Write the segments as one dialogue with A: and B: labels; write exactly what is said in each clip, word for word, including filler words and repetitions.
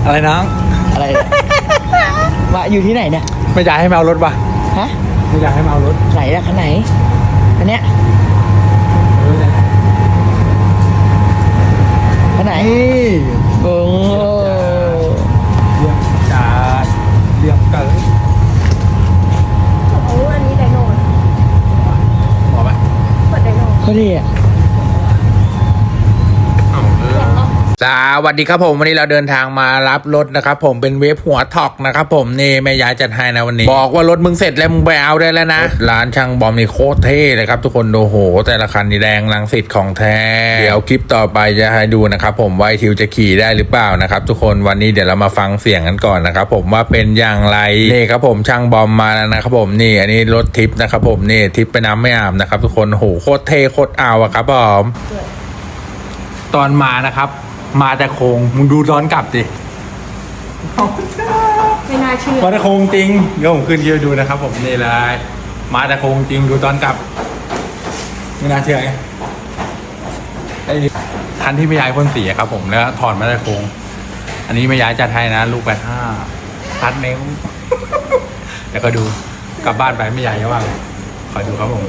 A: อะไรน้อง
B: อะไรเนี่ยมาอยู่ที่ไหนเนี่ย
A: ไม่อยากให้มาเอารถป่ะ
B: ฮะ
A: ไม่อยากให้มาเอารถ
B: ไหนล่ะคันไหนคันเนี้ยคันไหนโอ้
A: เรียมจัดเรียมเกิน
C: โอ้อันนี้ไดโน่
A: พอไหม
C: เปิดไดโน่
B: ก็ดีอ่ะ
A: สวัสดีครับผมวันนี้เราเดินทางมารับรถนะครับผมเป็นเวฟหัวท็อกนะครับผมนี่แม่ยายจัดให้นะวันนี้บอกว่ารถมึงเสร็จแล้วมึงไปเอาได้แล้วนะร้านช่างบอมนี่โคตรเท่เลยครับทุกคนดูโหแต่ละคันนี่แดงลังสิตของแท้เดี๋ยวคลิปต่อไปจะให้ดูนะครับผมว่าทิวจะขี่ได้หรือเปล่านะครับทุกคนวันนี้เดี๋ยวเรามาฟังเสียงกันก่อนนะครับผมว่าเป็นอย่างไรนี่ครับผมช่างบอมมาแล้วนะครับผมนี่อันนี้รถทิปนะครับผมนี่ทิปไปน้ำไม่อาบนะครับทุกคนโหโคตรเท่โคตรเอาอะครับผมตอนมานะครับมาแต่โคงมึงดูย้อนกลับดิ
C: ไม่น่าเชื่อ
A: มาแต่โคงจริงเดี๋ยวผมขึ้นเยอะดูนะครับผมนี่เลยมาแต่โคงจริงดูตอนกลับไม่น่าเชื่อไงไอ้คันที่ไม่ย้ายพ่นสีครับผมแล้วถอดมาแต่โคงอันนี้ไม่ย้ายจัดให้นะลูกแปดห้าตัดเนิ้วแล้วก็ดูกลับบ้านไปไม่ย้ายว่าขอดูครับผม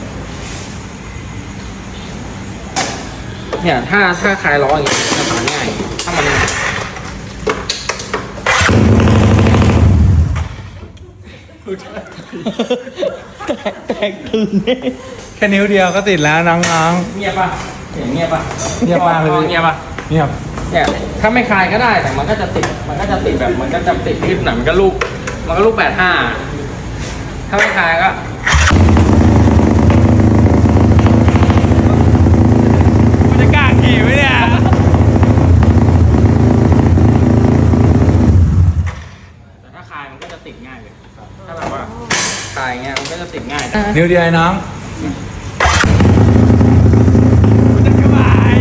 B: เนี่ยถ้าถ้าคลายล้ออย่างเงี้ยจะสานง่ายถ้ามันแตกตื่น
A: แค่นิ้วเดียวก็ติดแล้วน้อง
B: ๆเงียบป่ะเสียงเงียบป่ะ
A: เงียบมากเลย
B: เงียบป่ะ
A: เงียบ
B: เนี่ยถ้าไม่คลายก็ได้แต่มันก็จะติดมันก็จะติดแบบมันก็จะติดคลิปหนังมันก็ลูกมันก็ลูกแปดห้าถ้าไม่คลายก็
A: จะกล้าขี่ไหมเนี่ย
B: แต่ถ้าคลายมันก็จะติดง่ายเลยถ้าแบบว่าคลายเงี้ยมันก็จะติดง่าย
A: นิ้วเดียวน้องจะสบาย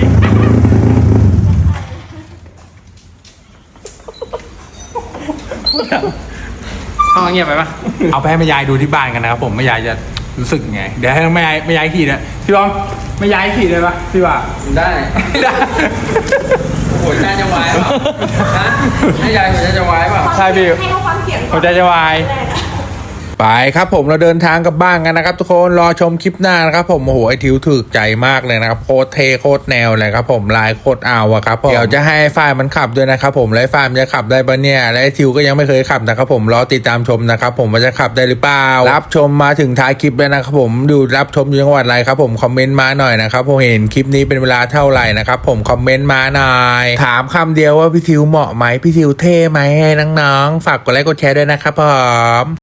B: เอาเงียบไปปะ
A: เอาไปให้แม่ยายดูที่บ้านกันนะครับผมแม่ยายจะรู้สึกไงเดี๋ยวให้แม่ยายแม่ยายขี่นะพี่บอมแม่ยายขี่ได้ปะพี่ว่า
B: ได้ได้หัวใจจะวายเปล่าฮะแม่ยายหัวใจจะวายเปล่า
A: ใช่พี่
C: ให้เขาฟังเสียง
A: หัวใจจะวายไปครับผมเราเดินทางกลับบ้านกันนะครับทุกคนรอชมคลิปหน้านะครับผมโอ้โหไอทิวถึกใจมากเลยนะครับโคตรเทโคตรแนวเลยครับผมลายโคตรเอาอะครับเดี๋ยวจะให้ฝ่ายมันขับด้วยนะครับผมและฝ่ายมันจะขับได้ปะเนี่ยและไอทิวก็ยังไม่เคยขับนะครับผมรอติดตามชมนะครับผมว่าจะขับได้หรือเปล่ารับชมมาถึงท้ายคลิปแล้วนะครับผมดูรับชมอยู่จังหวัดอะไรครับผมคอมเมนต์มาหน่อยนะครับผมเห็นคลิปนี้เป็นเวลาเท่าไหร่นะครับผมคอมเมนต์มาหน่อยถามคำเดียวว่าพี่ทิวเหมาะไหมพี่ทิวเท่ไหมให้น้องๆฝากกดไลค์กดแชร์ด้วยนะครับผม